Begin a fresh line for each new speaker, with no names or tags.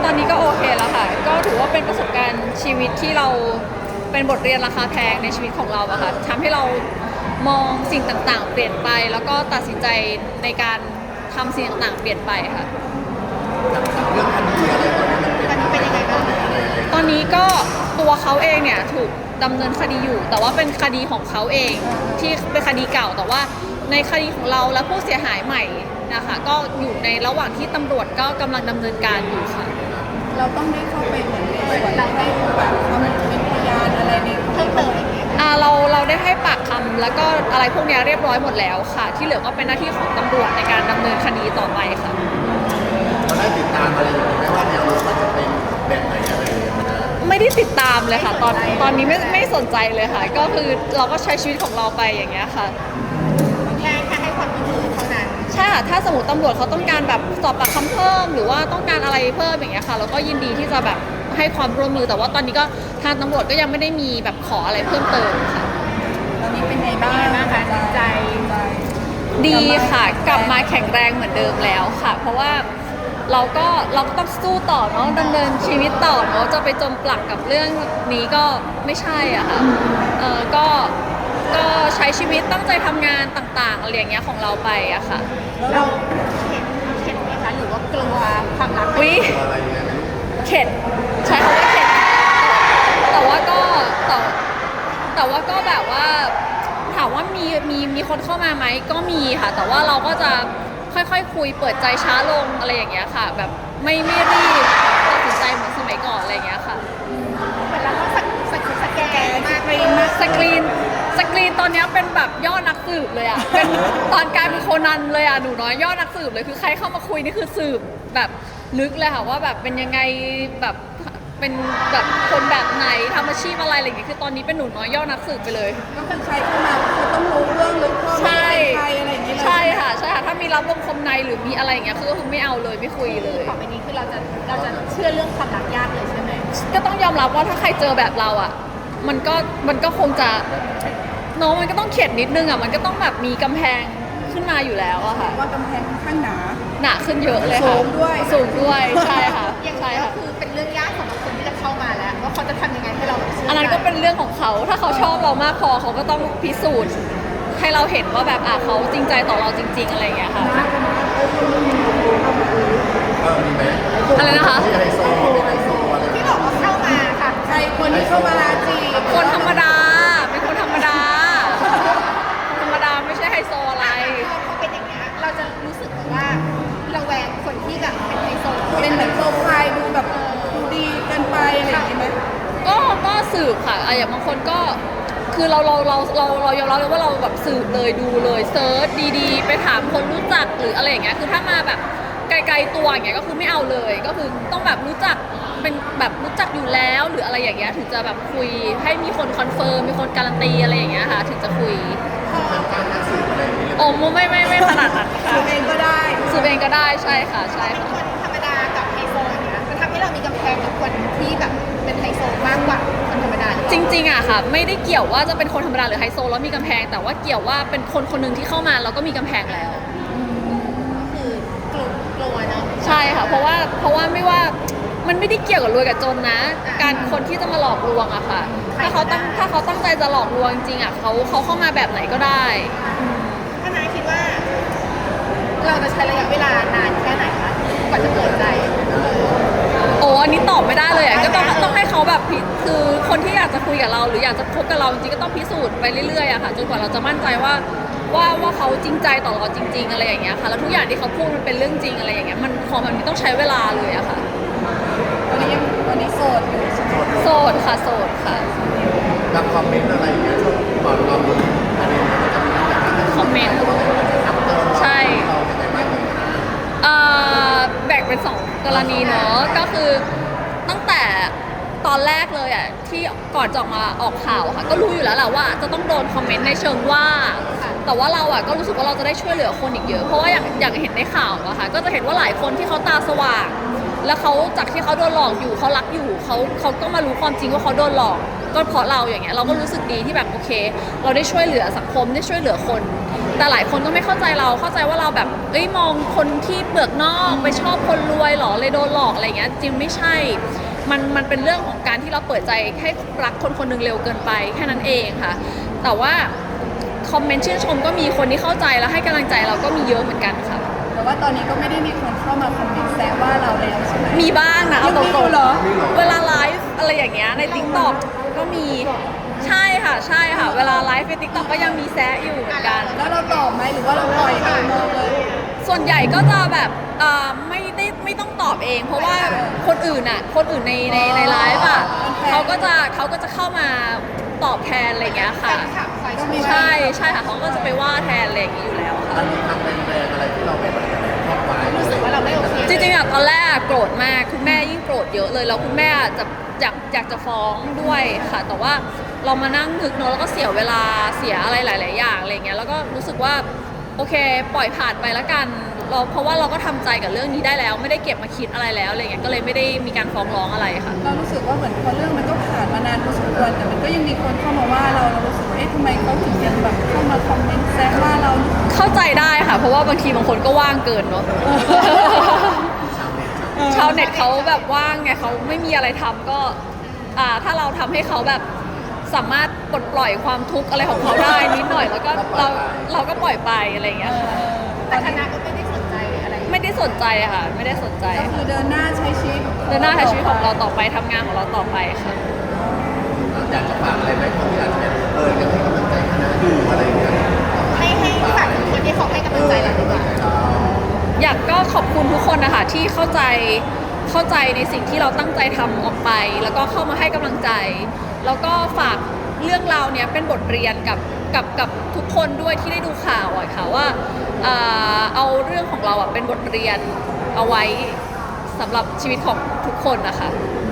ตอนนี้ก็โอเคแล้วค่ะก็ถือว่าเป็นประสบการณ์ชีวิตที่เราเป็นบทเรียนราคาแพงในชีวิตของเราอะค่ะทำให้เรามองสิ่งต่างๆเปลี่ยนไปแล้วก็ตัดสินใจในการทำสิ่งต่างๆเปลี่ยนไปค่ะ
เรื่องคดีอะไรตอนนี้มันเป็นยังไงบ้าง
ตอนนี้ก็ตัวเขาเองเนี่ยถูกดำเนินคดีอยู่แต่ว่าเป็นคดีของเขาเองที่เป็นคดีเก่าแต่ว่าในคดีของเราและผู้เสียหายใหม่นะคะก็อยู่ในระหว่างที่ตำรวจก็กำลังดำเนินการอยู่ค่ะ
เราต้องได้เข้าไปเหมือนในส่วนเราให้แบบเขาเป็นพยานอะไรในเพิ่มเติมอย่างเงี้ย
เราได้ให้ปากคำแล้วก็อะไรพวกนี้เรียบร้อยหมดแล้วค่ะ ที่เหลือก็เป็นหน้าที่ของตำรวจในการดำเนินคดีต่อไปค่ะ
เราได้ติดตามอะไรอย่างนี้ไหมว่าแนวโน้มมันจะเป็นแบบไหนอะไรอย่างเงี้ยนะ
ไม่ได้ติดตามเลยค่ะตอนนี้ไม่สนใจเลยค่ะก็คือเราก็ใช้ชีวิตของเราไปอย่างเงี้ยค่ะ
แค่ให้ความร่วมมือเท่านั้น
ใช่ค่ะถ้าสมมติตำรวจเขาต้องการแบบสอบปากคำเพิ่มหรือว่าต้องการอะไรเพิ่มอย่างเงี้ยค่ะเราก็ยินดีที่จะแบบให้ความร่วมมือแต่ว่าตอนนี้ก็ทางตำรวจก็ยังไม่ได้มีแบบขออะไรเพิ่มเติมค่ะ
ตอนนี้เป็นไงบ้างคะใจ
ดีค่ะกลับมาแข็งแรงเหมือนเดิมแล้วค่ะเพราะว่าเราก็ต้องสู้ต่อเนาะดำเนินชีวิตต่อเนาะจะไปจมปลักกับเรื่องนี้ก็ไม่ใช่อ่ะค่ะก็ใช้ชีวิตตั้งใจทำงานต่างๆอะไรอย่างเงี้ยของเราไปอะค่ะ
เราเข็ดไหมคะหรือว่ากลัวความรัก
วิ
อะไรอย่างเงี้ยไม่รู้
เข็ดใช้คำว่าเข็ดแต่ว่าก็แบบว่าถามว่ามีคนเข้ามาไหมก็มีค่ะแต่ว่าเราก็จะค่อยๆคุยเปิดใจช้าลงอะไรอย่างเงี้ยค่ะแบบไม่รีบตัดสินใจเหมือนสมัยก่อนอะไรอย่างเงี้ยค่ะ
เหมือนเราต้องสแกนมากเลย
สกรีนตอนนี้เป็นแบบยอดนักสืบเลยอ่ะเป็นตอนกลายเป็นโคนันเลยอ่ะหนูน้อยยอดนักสืบเลยคือใครเข้ามาคุยนี่คือสืบแบบลึกเลยค่ะว่าแบบเป็นยังไงแบบเป็นแบบคนแบบไหนทำอาชีพอะไรอะไรอย่างเงี้ยคือตอนนี้เป็นหนูน้อยยอดนักสืบไปเลย
ก็คือใครเข้ามาคือต้องรู้เรื่องลึกข้อมูลใครอะไรอย่างเงี้ย
ใช่ค่ะถ้ามีรับลมคมในหรือมีอะไรอย่างเงี้ยคือไม่เอาเลยไม่คุยเลย
ต่อไปนี้คือเราจะเชื่อเรื่องความรักยากเลยใช่ไหม
ก็ต้องยอมรับว่าถ้าใครเจอแบบเราอ่ะมันก็คงจะน้องมันก็ต้องเข็ดนิดนึงอ่ะมันก็ต้องแบบมีกำแพงขึ้นมาอยู่แล้วอะค่ะ
ว่ากำแพงค่อนข้าง
หนาขึ้นเยอะเลยค่ะสูงด้วยใช่ค่ะ
ใช่ค่ะคือเป็นเรื่องยากสำหรับคนที่จะเข้ามาแล้วว่าเขาจะทำยังไงให้เรา
อันนั้นก็เป็นเรื่องของเขาถ้าเขาชอบเรามากพอเขาก็ต้องพิสูจน์ให้เราเห็นว่าแบบเขาจริงใจต่อเราจริงๆอะไรอย่างเงี้ยค่ะ
มีไหม
อะไรนะคะ
ที่ไฮโซอะไร
ที่บอกว่าเข้ามาค่ะใครคนที่เข้ามาจีบ
คนธรรมดาเป็นคนธรรมดาไม่ใช่ไฮโซอะไร
พอเป็นอย่างเงี้ยเราจะรู้สึกว่าระแวงคนที่แบบเป็นไฮโซเป็นเหมือนโปรไฟล์ดูแบบดูดีเกินไปอะไรอย่างเงี้ยไหม
ก็สืบค่ะอย่างบางคนก็คือเรายอมรับเลยว่าเราแบบสืบเลยดูเลยเซิร์ชดีๆไปถามคนรู้จักหรืออะไรอย่างเงี้ยคือถ้ามาแบบไกลๆตัวอย่างเงี้ยก็คือไม่เอาเลยก็คือต้องแบบรู้จักเป็นแบบรู้จักอยู่แล้วหรืออะไรอย่างเงี้ยถึงจะแบบคุยให้มีคนคอนเฟิร์มมีคนการันตีอะไรอย่างเงี้ยค่ะถึงจะคุยโอ้ไม่ขนาดนั้นค่ะ
สืบเองก็ได้
สืบเองก็ได้ใช่ค่ะใช่ค่ะ
คนธรรมดากับไฮโซอย่างเงี้ยมันทำให้เรามีกำแพงกับคนที่แบบเป็นไฮโซมากกว่าคนธรรมดา
จริงๆอะค่ะไม่ได้เกี่ยวว่าจะเป็นคนธรรมดาหรือไฮโซแล้วมีกำแพงแต่ว่าเกี่ยวว่าเป็นคนคนหนึ่งที่เข้ามาแล้วก็มีกำแพงแล้ว
คือกลัวเนาะ
ใช่ค่ะเพราะว่าไม่ว่ามันไม่ได้เกี่ยวกับรวยกับจนนะการคนที่จะมาหลอกลวงอะค่ะถ้าเขาตั้งใจจะหลอกลวงจริงอะเขาเข้ามาแบบไหนก็ได้
ถ้านายคิดว่าเราจะใช้ระยะเวลานานแค่ไหนคะกว่าจะเปิดใจ
โอ้อันนี้ตอบไม่ได้เลยอ่ะก็ต้องให้เขาแบบคือคนที่อยากจะคุยกับเราหรืออยากจะคบกับเราจริงๆก็ต้องพิสูจน์ไปเรื่อยๆอะค่ะจนกว่าเราจะมั่นใจว่าเขาจริงใจต่อเราจริงๆอะไรอย่างเงี้ยค่ะแล้วทุกอย่างที่เขาพูดมันเป็นเรื่องจริงอะไรอย่างเงี้ยมันต้องใช้เวลาเลยอะค่ะ
ตอนนี้โสดอยู่
โสดค่ะ
รับคอมเมนต์อะไรอย่างเงี้ยช่วงก่อนเราอะไรอย่างเงี้ยมันจะมีอย่างนั้น
คอมเมนต์ใช่แบ่งเป็น2 กรณีเนาะก็คือตั้งแต่ตอนแรกเลยอ่ะที่ก่อนจะมาออกข่าวค่ะก็รู้อยู่แล้วแหละว่าจะต้องโดนคอมเมนต์ในเชิงว่าแต่ว่าเราอ่ะก็รู้สึกว่าเราจะได้ช่วยเหลือคนอีกเยอะเพราะว่าอย่างเห็นในข่าวอะค่ะก็จะเห็นว่าหลายคนที่เขาตาสว่างแล้วเขาจากที่เขาโดนหลอกอยู่เขารักอยู่เขาก็มารู้ความจริงว่าเขาโดนหลอกก็เพราะเราอย่างเงี้ยเราก็รู้สึกดีที่แบบโอเค เราได้ช่วยเหลือสังคมได้ช่วยเหลือคน แต่หลายคนก็ไม่เข้าใจเราเข้าใจว่าเราแบบมองคนที่เปลือกนอกไปชอบคนรวยหรอเลยโดนหลอกอะไรเงี้ยจริงไม่ใช่มันเป็นเรื่องของการที่เราเปิดใจให้รักคนคนหนึงเร็วเกินไปแค่นั้นเองค่ะแต่ว่าคอมเมนต์ชื่นชมก็มีคนที่เข้าใจแล้วให้กำลังใจเราก็มีเยอะเหมือนกันค่ะ
แต่ว่าตอนนี้ก็ไม่ได้มีคนเข้ามาคอมเมนต์แซวว่าเราแล้วใช่ไหม
มีบ้างนะเอาต
ยังมี
ร
องยู่เหรอ
ๆเวลาไลฟ์อะไรอย่างเงี้ยใน TikTok ก็มีใช่ค่ะเวลาไลฟ์ใน TikTok ก็ยังมีแซะอยู่เหมือนกัน
แล้วเราตอบไหมหรือว่าเราปล่อยให้มองเลย
ส่วนใหญ่ก็จะแบบไม่ต้องตอบเอง เพราะว่าคนอื่นในไลฟ์อ่ะเขาก็จะเข้ามาตอบแทนอะไรอย่างเงี้ยค่ะใช่ค่ะเขาก็จะไปว่าแทนอะไรอย่างงี้อยู่แล้วค่ะ
มันมีคำแรงๆอะไรที่เราไปแบบชอบไว้รู้สึกว่าเราไม่โอเค
จริงๆอะตอนแรกโกรธมากคุณแม่ยิ่งโกรธเยอะเลยแล้วคุณแม่จะอยากจะฟ้องด้วยค่ะ แต่ว่าเรามานั่งนึกเนอะแล้วก็เสียเวลาเสียอะไรหลาย ๆ อย่างอะไรเงี้ยแล้วก็รู้สึกว่าโอเคปล่อยผ่านไปแล้วกันเพราะว่าเราก็ทำใจกับเรื่องนี้ได้แล้ว ไม่ได้เก็บมาคิดอะไรแล้วอะไรเงี้ยก็เลยไม่ได้มีการฟ้องร้องอะไรค่ะ
เรารู้สึกว่าเหมือนพอเรื่องมันก็ผ่านมานานพอสมควรแต่มันก็ยังมีคนเข้ามาว่าเรารู้สึกว่าทำไมเขาถึงยังแบบเข้ามาคอมเมนต์แซวว่าเรา
เข้าใจได้ค่ะ เพราะว่าบางทีบางคนก็ว่างเกินเนาะ ชาวเน็ตเขาแบบว่างไงเขาไม่มีอะไรทำก็ถ้าเราทำให้เขาแบบสามารถปลดปล่อยความทุกข์อะไรของเขาได้นิดหน่อยแล้วก็เราก็ปล่อยไปอะไรอย่างเงี้ยค่ะ
แต่คณะก็ไม่ได้สนใจอะไร
ไม่ได้สนใจค่ะไม่ได้สนใจ
ก็คือเดินหน้าใช้ชีวิต
เดินหน้าใช้ชีวิตของเราต่อไปทำงานของเราต่อไปค่ะ
อยากจะฝากอะไรไหมคนที่อาจจะแบบยังให้กำลังใจคณะอยู่อะไรอย่างเงี้ย
ให้ฝากถึงคนที่เขาให้กำลังใจเราดีกว่า
อยากก็ขอบคุณทุกคนนะคะที่เข้าใจในสิ่งที่เราตั้งใจทำออกไป แล้วก็เข้ามาให้กำลังใจ แล้วก็ฝากเรื่องราวเนี้ยเป็นบทเรียนกับทุกคนด้วยที่ได้ดูข่าวอะค่ะว่าเอาเรื่องของเราอะเป็นบทเรียนเอาไว้สำหรับชีวิตของทุกคนนะคะ